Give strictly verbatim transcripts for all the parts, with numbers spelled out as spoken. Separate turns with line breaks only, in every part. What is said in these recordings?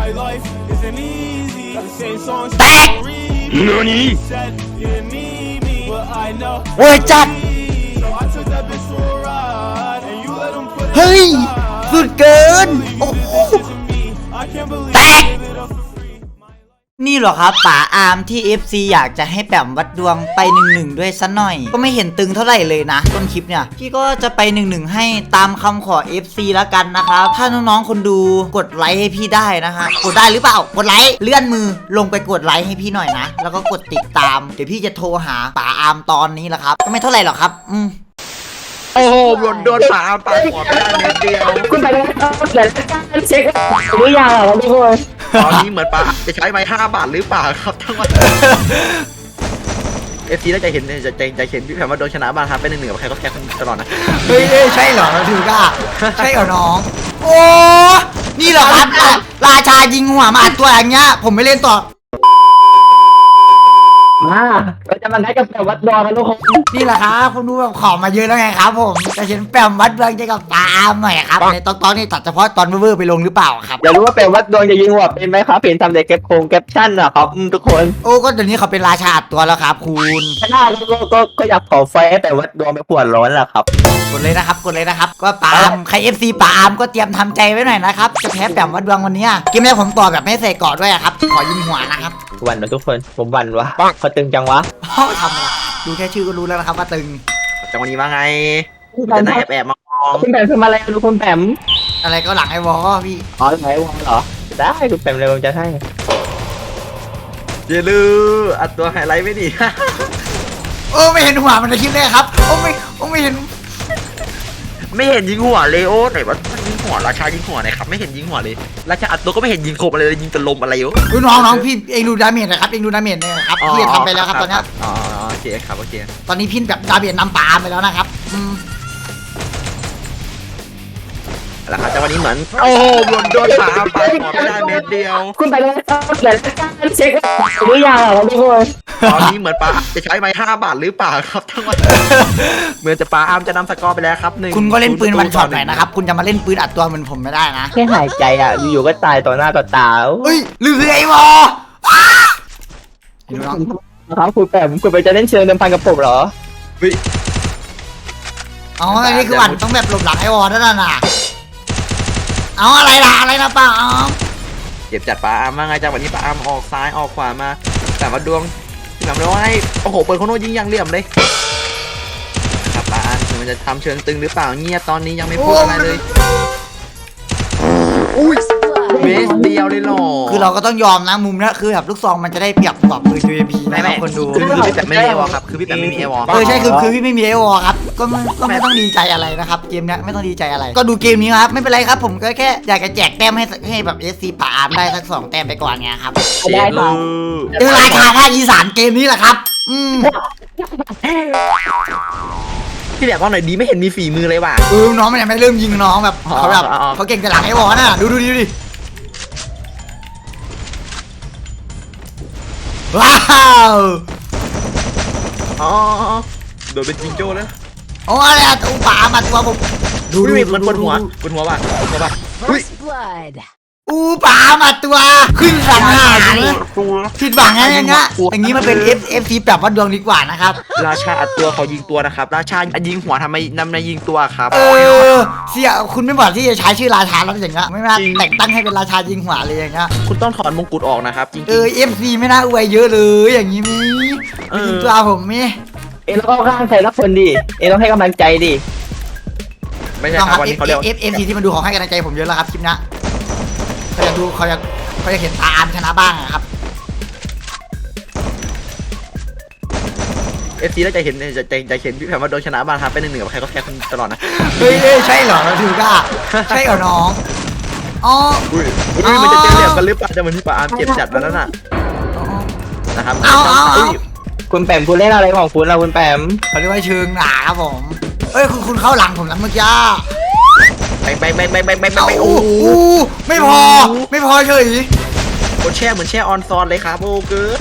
แตกเว้ยจัดเฮ้ยสุดเกินโอ้โหแตกนี่เหรอครับป๋าอาร์มที่ เอฟ ซี อยากจะให้แปมวัดดวงไปหนึ่งหนึ่งด้วยซะหน่อยก็ไม่เห็นตึงเท่าไหร่เลยนะต้นคลิปเนี่ยพี่ก็จะไปหนึ่งหนึ่งให้ตามคำขอ เอฟ ซี แล้วกันนะครับถ้าน้องๆคนดูกดไลค์ให้พี่ได้นะฮะกดได้หรือเปล่ากดไลค์เลื่อนมือลงไปกดไลค์ให้พี่หน่อยนะแล้วก็กดติดตามเดี๋ยวพี่จะโทรหาป๋าอาร์มตอนนี้แหละครับก็ไม่เท่าไหร่หรอกครับอืม
โอ้โหโดนโดนป่าป่าหัวไปได้เม็ดเดียว
คุณไปแล้วเดี๋ยวเช็คหรือยังอ่ะทุกคน
ตอนนี้เหมือนป่าจะใช้ไม้ห้าบาทหรือเปล่าครับทั้งวันเอฟซีน่าจะเห็นจะจะจะเห็นพี่แพมว่าโดนชนะบ้างครับเป็นหนึ่งหนึ่งกับใครก็แค่คนตลอดนะ
เฮ้ยใช่เหรอถือก้าใช่เหรอน้องโอ้นี่เหรอครับราชายิงหัวมาอัดตัวอย่างเงี้ยผมไม่เล่นต่อ
มาเราจะมาได้กับแปมวัดดวงกันทุกคน
นี่แหละครับคุณดูแบบขอมาเยอะแล้วไงครับผมจะเห็นแปมวัดดวงจะกับตาอามหน่อยครับในตอนตอนนี้ตัดเฉพาะตอนเวอร์ไปลงหรือเปล่าครับ
อยากรู้ว่าแปมวัดดวงจะยิงหัวเป็นไหมครับเห็นทำในเก็บโครงเก็บชั่นอะครับทุกคน
โอ้ก็เดี๋ยวนี้เขาเป็นราชาอัดตัวแล้วครับคุณ
ถ้าก็ก็ก็อยากขอไฟแต่วัดดวงไปปวดร้อนแหละครับ
กดเลยนะครับกดเลยนะครับก็ปามใคร เอฟ ซี ปามก็เตรียมทำใจไว้หน่อยนะครับจะแพ้แปมวัดดวงวันนี้เกมแรกผมต่อแบบไม่ใส่กอดด้วยครับขอยิงหัวนะครับ
วันนะทุกคนผมวันวะเขาตึงจังวะ
ทำอะไรดูแค่ชื่อก็รู้แล้วนะครับว่าตึง
จังวันนี้ว่าไงจะแอบแอบมอง
คุณแปมทำอะไรดูคุณแปม
อะไรก็หลังไอ้วอพี่
อ๋อหลังไอ้วอเหรอได้คุณแปมเลยผมจะให้
เยลืออัดตัวไฮไลท์ไม่ดี
โอ้ไม่เห็นหัวมันในคลิปเลยครับโอ้ไม่โอ้ไม่เห็น
ไม่เห็นยิงหัวเลยโอ้ไหนว่ายิงหัวราชายิงหัวไหนครับไม่เห็นยิงหัวเลยราชาอัดตัวก็ไม่เห็นยิงโคบอะไรเลยยิงแต่ลมอะไรอยู่
น้องน้องพี่เองดูดาเมจนะครับเองดูดาเมจเนี่ยครับพี่ทำไปแล้วครับตอนนี้
อ๋อโอเคครับโอเค
ตอนนี้พี่แบบดาเมจนำปาไปแล้วนะครับอืม
แล้วครับแต่วันนี้เหมือนโอ้โหโดนโดนป่าป่าหัวไปได้เม็ดเดียว
คุณไปแล้วเดี๋ยวเช็คหรือยังอ่ะทุกคน
ตอนนี้เหมือนป่าจะใช้ไม้ห้าบาทหรือเปล่าครับทั้งวันเหมือนจะป่าอาร์มจะนำสกอร์ไปแล้วครับหนึ่ง
คุณก็เล่นปืนวันช็อตหน่อยนะครับคุณจะมาเล่นปืนอัดตัวเหมือนผมไม่ได้นะ
แค่หายใจอ่ะอยู่ๆก็ตายต่อหน้าต่อตา
เฮ้ยลือไอ้วอ
ครับคุณแปมคุณไปจะเล่นเชิงเดิมพันกับผมเหรอ
อ๋ออันนี้คือวันต้องแบบหลบหลังไอ้วอนั่นน่ะเอาอะไรล่ะอะไรนะป้าอ๋อ
เก็บจัดป่าอาร์มมาไงจังวันนี้ป่าอาร์มออกซ้ายออกขวามาแต่มาดวงที่แบบว่าให้โอ้โหเปิดโคโน่ยิงยังเหลี่ยมเลยครับป่าอาร์มมันจะทำเชิงตึงหรือเปล่าเงียบตอนนี้ยังไม่พูดอะไรเลยอุ้ยเมสเดียวเลยหรอ
คือเราก็ต้องยอมนะมุมนี้คือแบบลูกซองมันจะได้เปรียบกว่าปืน ยู เอ็ม พี นะครับคนดู
คือพี่แต่ไม่มีเอวอครับคือพี่แต่ไม่มีเอวอ
เออใช่คือคือพี่ไม่มีเอวอครับก็ไม่ก็ไม่ต้องดีใจอะไรนะครับเกมนี้ไม่ต้องดีใจอะไรก็ดูเกมนี้ครับไม่เป็นไรครับผมก็แค่อยากจะแจกแต้มให้ให้แบบ เอส ซี ป่าอาร์มได้สักสองแต้มไปก่อนไงครับ
ได้ครับ
เจอราชาภาคอีสานเกมนี้แหละครับอืม
พี่แบบว่าหน่อยดีไม่เห็นมีฝีมือเลยว่ะ
เออน้องมันยังไม่เริ่มยิงน้องแบบเขาแบบเขาเก่งแต่หลังไอ้วอน่ะดูดูดิดูดิว้าว
อ๋อโดนเป็นจิงโจ้แล้ว
โอ้อะไรอะตัวป่ามาตัวผม
ดูดูมันบนหัวบนหัวป่ะบนหัวป่ะ
อูป่ามาตัวขึ้นสังหารผิดหวังอะไรเงี้ยอย่างนี้มันเป็น F F ทีแบบว่าดวงดีกว่านะครับ
ราชาอัดตัวเขายิงตัวนะครับราชายิงหัวทำไมนำในยิงตัวครับ
เออเสียคุณไม่บอกที่จะใช้ชื่อราชาแล้วอย่างเงี้ยไม่น่าแต่งตั้งให้เป็นราชายิงหัวเลยอย่างเงี้ย
คุณต้องถอนมงกุฎออกนะครับจริง
เออ F C ไม่น่าอวยเยอะเลยอย่างนี้มียิงตัวผมมี
เอแล้วก็ข้างใครรักคนดิเอต้องให้กำลังใจดิ
ไม่ใช่ครับวันนี้เขาเรียก
F F C ที่มันดูของให้กำลังใจผมเยอะแล้วครับคลิปนี้เขาอยากดูเขาอยากเขาอยากเห็นตาอาร์มชนะบ้างครับ
เอฟซีน่าจะเห็นจะจะจะเห็นพี่แพมว่าโดนชนะบ้างครับเป็นหนึ่งหนึ่งกับใครก็แค่คนตลอดนะ
เฮ้ยใช่เหรอถือก้าใช่เหรอน้องอ๋อ
อุ้ยอุ้ยมันจะเจอเหลี่ยมกันหรือเปล่าจะเหมือนที่ป่าอาร์มเจ็บจัดแล้วนั่นน่ะนะครับ
เอา
คุณแปมคุณเล่นอะไรของคุณล่ะคุณแปม
เขาเรียกว่าเชิงหนาครับผมเอ้ยคุณคุณเข้าหลังผมแล้วเมื่อกี้
ไปไปไปไปไปไปไป
โอ้ไม่พอไม่พอเฉย
โคแช่เหมือนแช่ออนซอนเลยครับโอ้เกิร์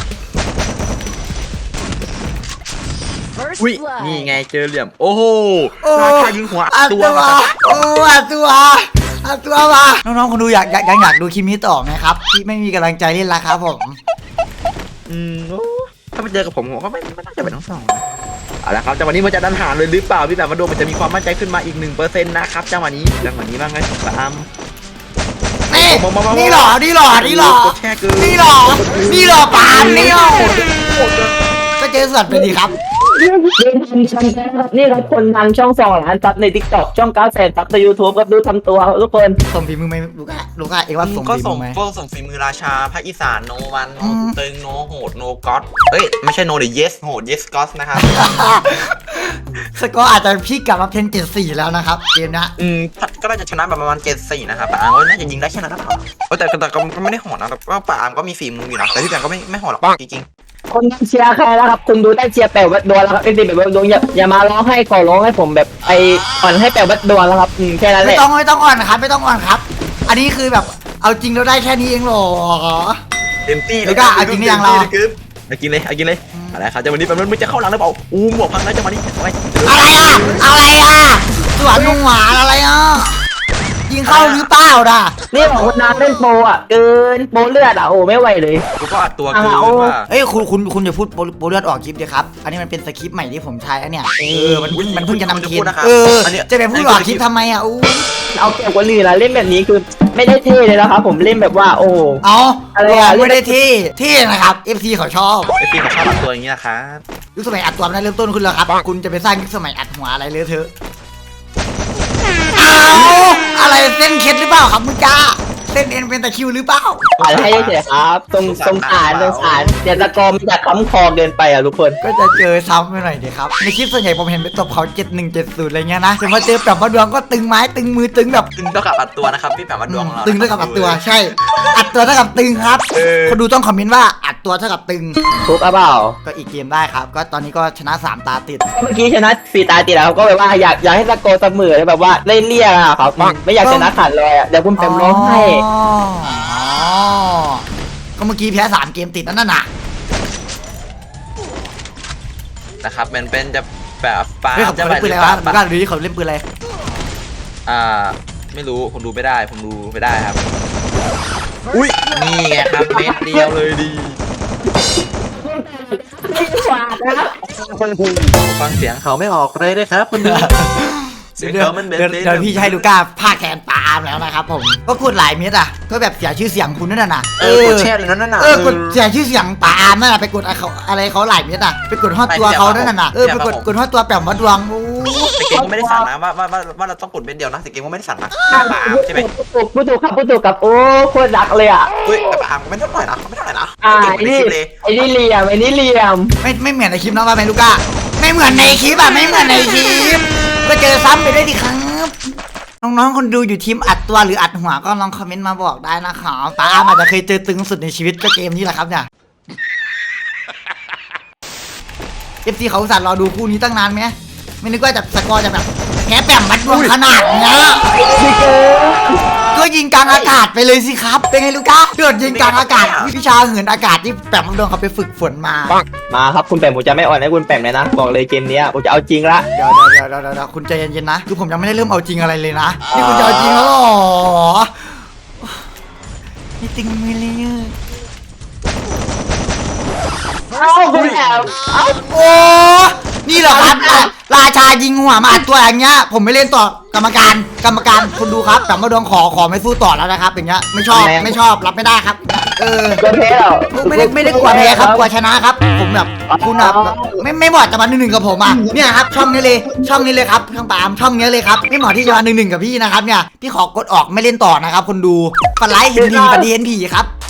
อุ้ยนี่ไงเจอเหลี่ยมโอ้โหราชายิงหัวตัว
โอ้ตัวอัดตัวมาน้องๆคนดูอยากอยากยังอยากดูคลิปนี้ต่อไหมครับที่ไม่มีกำลังใจเล่นละครับผม
อืมโอ้ถ้าไปเจอกับผมผมก็ไม่ไม่น่าจะเป็นทั้งสองเอาละครับจังหวะนี้มันจะดันหารเลยหรือเปล่าพี่แบบมาดูมันจะมีความมั่นใจขึ้นมาอีกหนึ่งเปอร์เซ็นต์นะครับจังหวะนี้จังหวะนี้บ้างไงปาล์ม
นี่นี่หรอนี่หรอนี่หรอนี่หรอนี่หรอปามนี่หรอก็เจอส่วนไปดีครับ
นี่ทำช่องครับนี่ครับคนทำช่องสองล้านซับใน ติ๊กต็อก ช่องเก้าแสนซับใน ยูทูบ ครับดูทำตัวครับทุกคน
ส่งฝีมือไหมลูก้าลูก้าเอ็งว่าส่ง
ก็
ฝีมื
ส่ง
อไหม
ก็ส่งฝีมือราชาภาคอีสานโนวันโน
อืม
ตึงโนโหดโนก็อดเฮ้ยไม่ใช่โนเดี๋ยว yes โหด yes god นะครับ
สกอร์อาจจะพี่กลับมาเป็นเจ็ดสี่แล้วนะครับเกมนะ
อืมก็น่าจะชนะแบบประมาณเจ็ดสี่นะครับปาล์มก็น่าจะยิงได้แค่นั้นหรือเปล่าเออแต่แต่ก็ไม่ได้โหดนะแต่ว่าปาล์มก็มีฝีมืออยู่นะแต่พี่แบงก็ไม่ไม่โหดหรอกจริง
คนเชียร์ใครแล้วครับคุณดูได้เชียร์แปลวัดดวงแล้วครับไอ้ดิแบบวัดดวงอย่าอย่ามาร้องให้ขอร้องให้ผมแบบไปอ่อนให้แปลวัดดวงแล้วครับอืมแค่นั้นแห
ไม่
ละ
ต้องไม่ต้องอ่อนครับไม่ต้องอ่อนครับ อันนี้คือแบบเอาจริงเราได้แค่นี้เองเหรอ
ๆเต็มที่
เดี๋ยวก็เอาจริงหรือยังเรา
เอากินเลยเอากินเลยอะไรครับจังหวะนี้แบบมันจะเข้าหลังหรือเปล่าอู้หมวกพังแล้วจังหวะนี้เอาไว้
อะไรอ่ะอะไรอ่ะสวนลุงหวานอะไรอ่ะยิงเข้าหรือเปล่าด่ะ
นี่ของคนน้ำเล่นโปรอ่ะเกินโปรเลือดอ่ะโอ้ไม่ไหวเลย
กูก็อัดตัวเกินว่า
เอ้ยคุณคุณคุณอย่าพูดโปรโปรเลือดออกคลิปเดียครับอันนี้มันเป็นสคริปต์ใหม่ที่ผมใช้อันเนี้ยเออมันมันเพิ่งจะนำเทียนเออจะไปพูดออกคลิปทำไมอ่ะอู้
เอาเกี่ยวกับลีนะเล่นแบบนี้คือไม่ได้เท่เลยนะครับผมเล่นแบบว่าโอ้
เอา
อะไร
ล
อ่ะ
องไม่ได้ที่ที่นะครับ เอฟ ซี เขาชอบ
ไอพี่เขาชอบอัดตัวอย่างนี้นะครับ
ยุคสมัยอัดตัวมันได้เริ่มต้นขึ้นแล้วครับคุณจะไปสร้างยุคสมัยอัดหัวอะไรเลยเถอะเอาอะไรเส้นเคล็ดหรือเปล่าครับมึงจ้าเส้นเอ็นเป็นตะคริวหรือเปล่า
อ่านให้เฉยๆครับตรงตรงสารตรงสารเดี๋ยวตะกอมนจะค้ำคอเกินไปอ่ะทุกคน
ก็จะเจอซ้ำไปหน่อยดีครับในคลิปส่วนใหญ่ผมเห็นไปตบเขาเจ็ดหนึ่งเจ็ดศูนย์อะไรเงี้ยนะแต่มาเจอแบบมาดวงก็ตึงไม้ตึงมือตึงแบบ
ตึงเท่ากับอัดตัวนะครับพี่แบบว่าดวงเรา
ตึงเท่ากับอัดตัวใช่ อัดตัวเท่ากับตึงครับคนดูต้องคอมเมนต์ว่าอัดตัวเท่ากับตึง
ทุกอ่ะเปล่า
ก็อีกเกมได้ครับ ก็ตอนนี้ก็ชนะสามตาติด
เมื่อกี้ชนะสีตาติดแล้วก็แบบว่าอยากอยากให้ตะโกนเสมอเลยแบบว่าเล่นเลี่ยอะครับไม่อยากชนะขาดลอยอ่ะเดี๋ยวคุณแปมร้องให้
อ๋อก็เมื่อกี้แพ้สามเกมติดนั่นน่ะ
นะครับมันเป็นจะแบบปา
เฮ้ยเขา
จะ
เล่นปืนอะไรวะมึงกล้าดูดิเขาเล่นปืนอะไร
อ่าไม่รู้ผมดูไม่ได้ผมดูไม่ได้ครับอุ้ยนี่ไงครับเม็ดเดียวเลยดีฟังเสียงเขาไม่ออกเลยนะครับคุณดูเสียง
เดี๋ยว
เขามันเม็ด
เดี๋ยว
เดียว
เดี๋ยวพี่จะให้ลูก้าพาแขนปาล์มแล้วนะครับผมก็กดหลายเม็ดอ่ะก็แบบเสียชื่อเสียงคุณนั่นน่ะ
เออกดแช่เลยนั่นน่ะ
เออกดเสียชื่อเสียงปาล์มนั่นน่ะไปกดเขาอะไรเขาหลายเม็ดอ่ะไปกดฮอดตัวเขานั่นน่ะเออไปกดกดฮอดตัวแปมวัดดวงโอ้
แต่เกมก็ไม่ได้สั่งนะว่าว่าว่าว่าเราต้องกดเม็ดเดียวนะแต่เกมก็ไม่ได้สั่งนะปาล์มใช่ไหม
พูดถูกครับพูดถูกครับโอ้โคตรรักเลยอ่ะ
อุ้ยแต่ปาล์มก็ไม่เท่าไหร่นะไม่เท่าไหร่นะ
อ่า
เก่ง
ไอ้
ใน
นี่
คลิปเลย
ไอ้นี่เหลี่ยมไอ้นี่เหลี่ยม
ไม่ไม่เหมือนในคลิปนะว่าไหมลูก้าไม่เหมือนในคลิปอ่ะไม่เหมือนในคลิปก็เจอซ้ำไปด้วยดิครับน้องๆคนดูอยู่ทีมอัดตัวหรืออัดหัวก็ลองคอมเมนต์มาบอกได้นะครับปาล์มอาจจะเคยเจอตึงสุดในชีวิตก็เกมนี้แหละครับเนี่ย เอฟซีเขาอุตส่าห์รอดูคู่นี้ตั้งนานไหมไม่นึกว่าจะสกอร์จะแบบแพ้แปมมัดดวงขนาดเนี้ยก็ยิงกลางอากาศไปเลยสิครับ เป็นไงลูก้าเดือดยิงกลางอากาศวิชาเหินอากาศที่แปมมัดดวงเขาไปฝึกฝนมา
มาครับคุณแปมผมจะไม่อ่อนให้คุณแปมเลยนะบอกเลยเกมนี้ผมจะเอาจริงละ
เดี๋ยวเดี๋ยวเดี๋ยวเดี๋ยวเดี๋ยวคุณใจเย็นๆนะคือผมยังไม่ได้เริ่มเอาจริงอะไรเลยนะนี่คุณจะเอาจริงแล้วเหรอนี่ตึงมือเลยอะ
เอ้าคุณแปมเอ้า
โอ้นี่เหรอครับราราชายิงหัวมาอัดตัวอย่างเงี้ยผมไม่เล่นต่อกรรมการกรรมการคุณดูครับแต่มาดวงขอขอไม่สู้ต่อแล้วนะครับอย่างเงี้ยไม่ชอบไม่ชอบรับไม่ได้ครับเออ
ก็แพ้แล้ว
ไม่ได้ไม่ได้กลัวแพ้ครับกลัวชนะครับผมแบบคุณแบบไม่ไม่เหมาะจะมาหนึ่งหนึ่งกับผมอ่ะเนี่ยครับช่องนี้เลยช่องนี้เลยครับช่องปาล์มช่องนี้เลยครับไม่เหมาะที่จะมาหนึ่งหนึ่งกับพี่นะครับเนี่ยพี่ขอกดออกไม่เล่นต่อนะครับคนดูฝันร้ายเห็นผีฝันดีเห็นผีครับ